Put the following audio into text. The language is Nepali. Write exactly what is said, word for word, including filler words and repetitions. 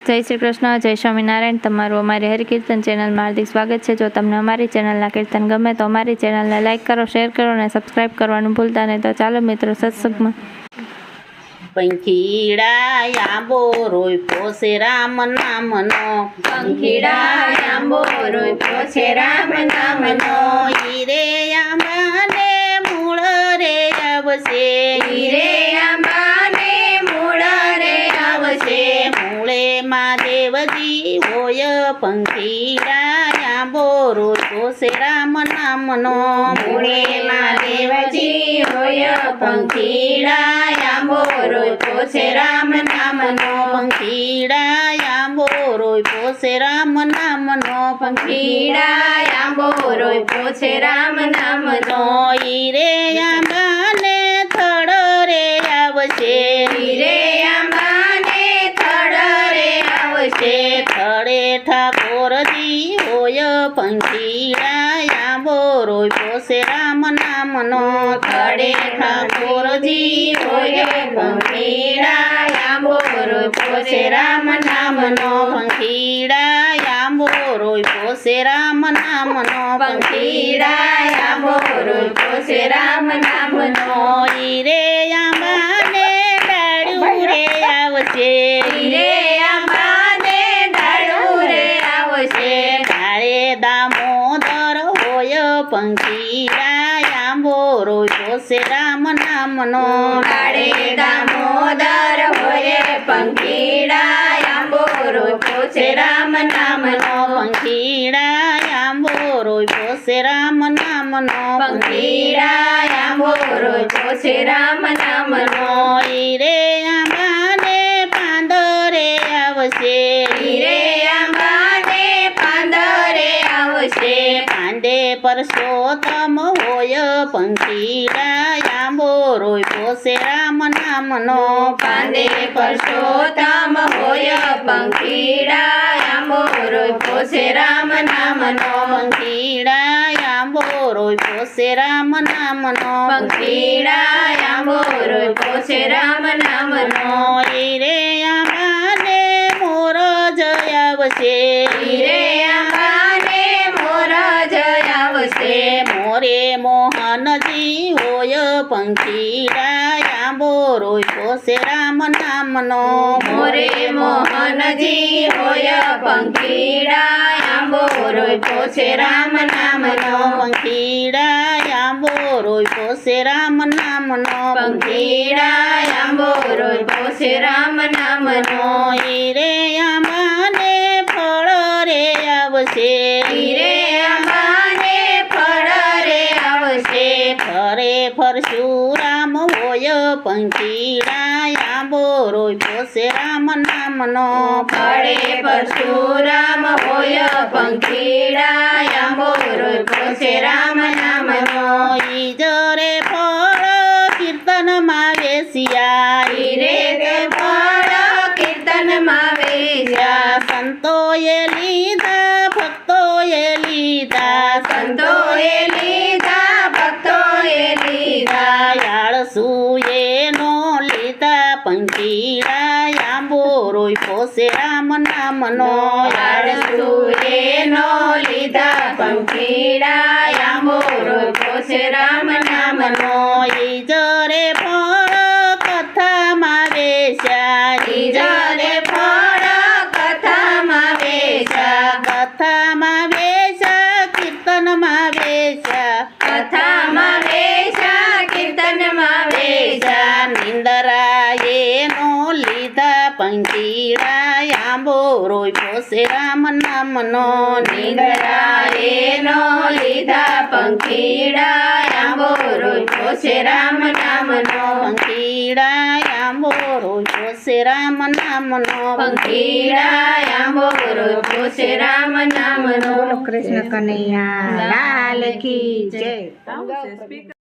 जय श्री कृष्ण, जय स्वामीनारायण। तमारू अमारी हरिकीर्तन चेनल में हार्दिक स्वागत है। जो तमने अमारी चेनलना कीर्तन गमे तो अमारी चेनलने लाइक करो, शेर करो ने सब्सक्राइब करवानुं भूलता नहीं। तो चालो मित्रों सत्संगमां। पंखीड़ा आंबो रोप्यो से राम नामनो, पंखीड़ा आंबो रोप्यो छे राम नामनो। हीरे आंबाने मूळ रे आवशे, हीरे आंबाने मूळ रे आवशे। मूळे महादेवजी होय पंखीड़ा आंबो रोप्यो से राम नामनो। मूळे महादेवजी होय पंखीड़ा आंबो रोप्यो छे राम नामनो। पंखीड़ा आंबो रोप्यो से राम नामनो। पंखीड़ा आंबो रोप्यो छे राम नामनो। हीरे आंबाने थड़ रे आवशे, हीरे आंबाने थड़ रे आवशे। थड़े ठाकोरजी होय पंखीड़ा आंबो रोप्यो से राम नामनो। थड़े ठाकोरजी होय पंखीड़ा आंबो रोप्यो छे राम नामनो। पंखीड़ा आंबो रोप्यो से राम नामनो। पंखीड़ा आंबो रोप्यो छे राम नामनो। हीरे आंबाने डाळू रे आवशे, हीरे आंबाने डाळू रे आवशे। डाळे दामोदर होय पंखीड़ा आंबो रोप्यो से राम नामनो। डाळे दामोदर होय पंखीड़ा आंबो रोप्यो छे राम नामनो। पंखीड़ा आंबो रोप्यो से राम नामनो। पंखीड़ा आंबो रोप्यो छे राम नामनो। हीरे आंबाने પાંદરે આવશે, हीरे आंबाने પાંદરે आवशे। પાંદે પરસોત્તમ હોય पंखीड़ा आंबो रोप्यो से राम नामनो। પાંદે પરસોત્તમ होय पंखीड़ा आंबो रोप्यो छे राम नामनो। पंखीड़ा आंबो रोप्यो से राम नामनो। पंखीड़ा आंबो रोप्यो छे राम नामनो। हीरे आंबाने मोर जय आवशे, हीरे आंबाने मोर जय आवशे। मोरे मोहनजी होय पंखीड़ा आंबो रोप्यो से राम नामनो। मोरे मोहनजी होय पंखीड़ा आंबो रोप्यो छे राम नामनो। पंखीड़ा आंबो रोप्यो से राम नामनो। पंखीड़ा आंबो रोप्यो छे राम नामनो। हीरे आंबाने फळ रे आवशे, हीरे आंबाने फळ रे आवशे। फरे परशुराम होय पंखीड़ा आंबो रोप्यो से राम नामनो। फळे परशुराम होय पंखीड़ा आंबो रोप्यो छे राम नामनो। ईजरे फळ कीर्तन માં વેસિયા, हीरे ते फळ कीर्तन માં વેચ્યા। સંતોએ લીધા ભક્તોએ લીધા, સંતોએ લીધા ભક્તોએ લીધા। યાળસુએ નો લીધા पंखीड़ा आंबो रोप्यो से राम नामनो। याळसुए नो લીધા पंखीड़ा आंबो रोप्यो छे राम नामनो। ईजरे फळ कथा માં વેચ્યા, ईजरे फळ कथा માં વેચ્યા। कथा માં વેચ્યા कीर्तन માં વેચ્યા, कथा માં વેચ્યા कीर्तन માં વેચ્યા। निंदराए नो लीधा पंखीड़ा आंबो रोप्यो से राम नामनो। निंदराए नो લીધા पंखीड़ा आंबो रोप्यो छे राम नामनो। पंखीड़ा आंबो रोप्यो से राम नामनो। पंखीड़ा आंबो रोप्यो छे राम नामनो। कृष्ण कन्हैया लाल की जय।